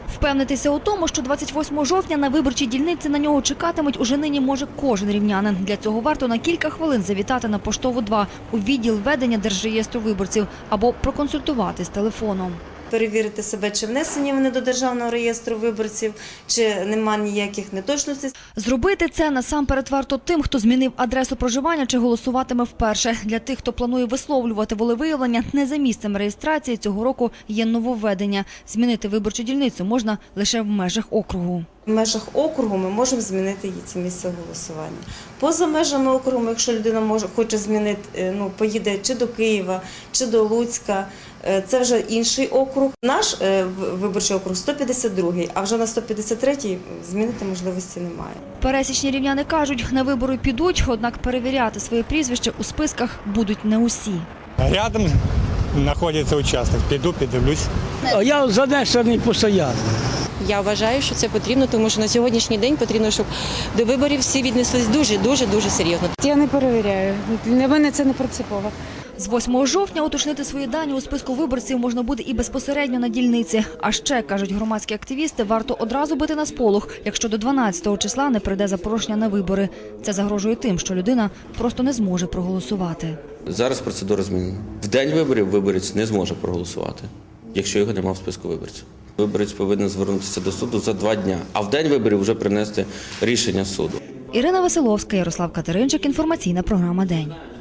Впевнитися у тому, що 28 жовтня на виборчій дільниці на нього чекатимуть, уже нині може кожен рівнянин. Для цього варто на кілька хвилин завітати на Поштову 2 у відділ ведення Держреєстру виборців або проконсультуватись телефоном. Перевірити себе, чи внесені вони до Державного реєстру виборців, чи нема ніяких неточностей. Зробити це насамперед варто тим, хто змінив адресу проживання чи голосуватиме вперше. Для тих, хто планує висловлювати волевиявлення, не за місцем реєстрації цього року є нововведення. Змінити виборчу дільницю можна лише в межах округу. В межах округу ми можемо змінити її це місце голосування. Поза межами округу, якщо людина хоче змінити, поїде чи до Києва, чи до Луцька, це вже інший округ. Наш виборчий округ 152-й, а вже на 153-й змінити можливості немає. Пересічні рівняни кажуть, на вибори підуть, однак перевіряти своє прізвище у списках будуть не усі. Рядом знаходиться участок. Піду, піддивлюсь. Я занесений постійно. Я вважаю, що це потрібно, тому що на сьогоднішній день потрібно, щоб до виборів всі віднеслись дуже серйозно. Я не перевіряю. Для мене це не принципово. З 8 жовтня уточнити свої дані у списку виборців можна буде і безпосередньо на дільниці. А ще, кажуть громадські активісти, варто одразу бити на сполох, якщо до 12-го числа не прийде запрошення на вибори. Це загрожує тим, що людина просто не зможе проголосувати. Зараз процедура змінена. В день виборів виборець не зможе проголосувати, якщо його немає в списку виборців. Виборець повинен звернутися до суду за 2 дні, а в день виборів вже принести рішення суду. Ірина Василовська, Ярослав Катеринчик. Інформаційна програма «День».